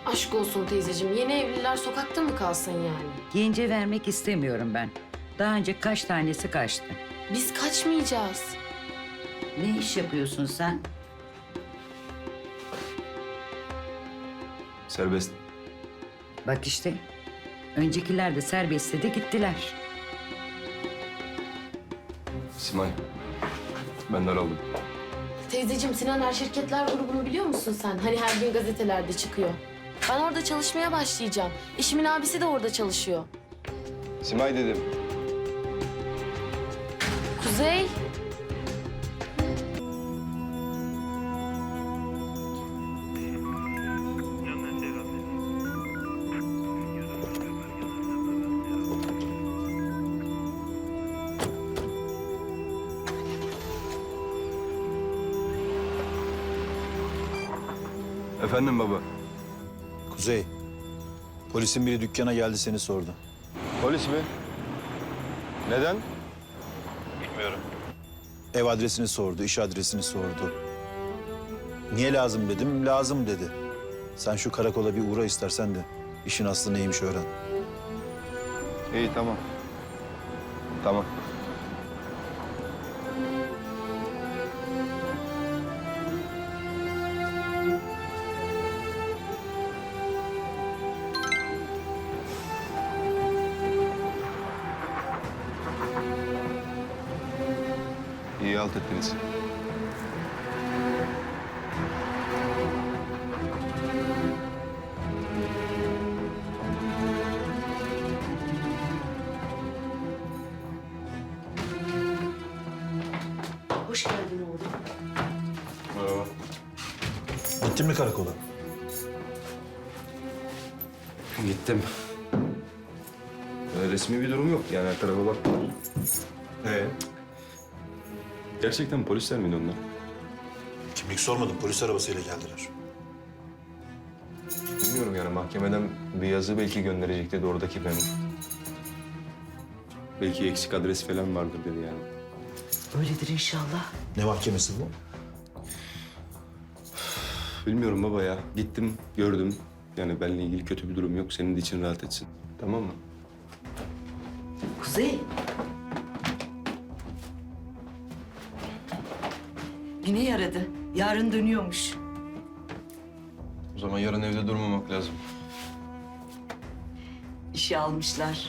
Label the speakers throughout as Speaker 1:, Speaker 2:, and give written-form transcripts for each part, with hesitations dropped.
Speaker 1: Aşk olsun teyzeciğim. Yeni evliler sokakta mı kalsın yani?
Speaker 2: Gence vermek istemiyorum ben. Daha önce kaç tanesi kaçtı.
Speaker 1: Biz kaçmayacağız.
Speaker 2: Ne iş yapıyorsun sen?
Speaker 3: Serbest.
Speaker 2: Bak işte. Öncekiler de serbestte de gittiler.
Speaker 3: Simay. Ben daraldım.
Speaker 1: Teyzeciğim Sinan Er Şirketler grubunu biliyor musun sen? Hani her gün gazetelerde çıkıyor. Ben orada çalışmaya başlayacağım. Eşimin abisi de orada çalışıyor.
Speaker 3: Simay dedim.
Speaker 1: Kuzey.
Speaker 3: Efendim baba.
Speaker 4: Kuzey, polisin biri dükkana geldi seni sordu.
Speaker 3: Polis mi? Neden?
Speaker 4: Ev adresini sordu, iş adresini sordu. Niye lazım dedim, lazım dedi. Sen şu karakola bir uğra istersen de işin aslı neymiş öğren.
Speaker 3: İyi tamam. Tamam. İyi halt ettiniz.
Speaker 2: Hoş geldin oğlum.
Speaker 3: Merhaba.
Speaker 4: Gittin mi karakola?
Speaker 3: Gittim. Resmi bir durum yok yani her tarafa baktılar. Gerçekten polisler miydi onlar?
Speaker 4: Kimlik sormadım, polis arabasıyla geldiler.
Speaker 3: Bilmiyorum yani mahkemeden bir yazı belki gönderecek dedi oradaki memur. Belki eksik adres falan vardır dedi yani.
Speaker 2: Öyledir inşallah.
Speaker 4: Ne mahkemesi bu?
Speaker 3: Bilmiyorum baba ya. Gittim, gördüm. Yani benimle ilgili kötü bir durum yok. Senin de için rahat etsin. Tamam mı?
Speaker 2: Kuzey. Yine yaradı. Yarın dönüyormuş.
Speaker 3: O zaman yarın evde durmamak lazım.
Speaker 2: İşe almışlar.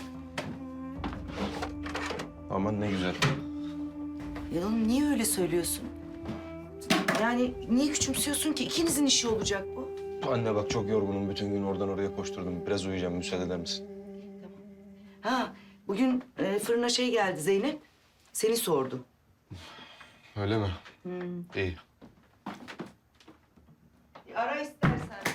Speaker 3: Aman ne güzel.
Speaker 2: Ya oğlum niye öyle söylüyorsun? Yani niye küçümsüyorsun ki? İkinizin işi olacak bu.
Speaker 3: Anne bak çok yorgunum. Bütün gün oradan oraya koşturdum. Biraz uyuyacağım. Müsaade eder misin?
Speaker 2: Ha, bugün fırına şey geldi Zeynep. Seni sordu.
Speaker 3: Öyle mi? İyi.
Speaker 2: Bir ara istersen.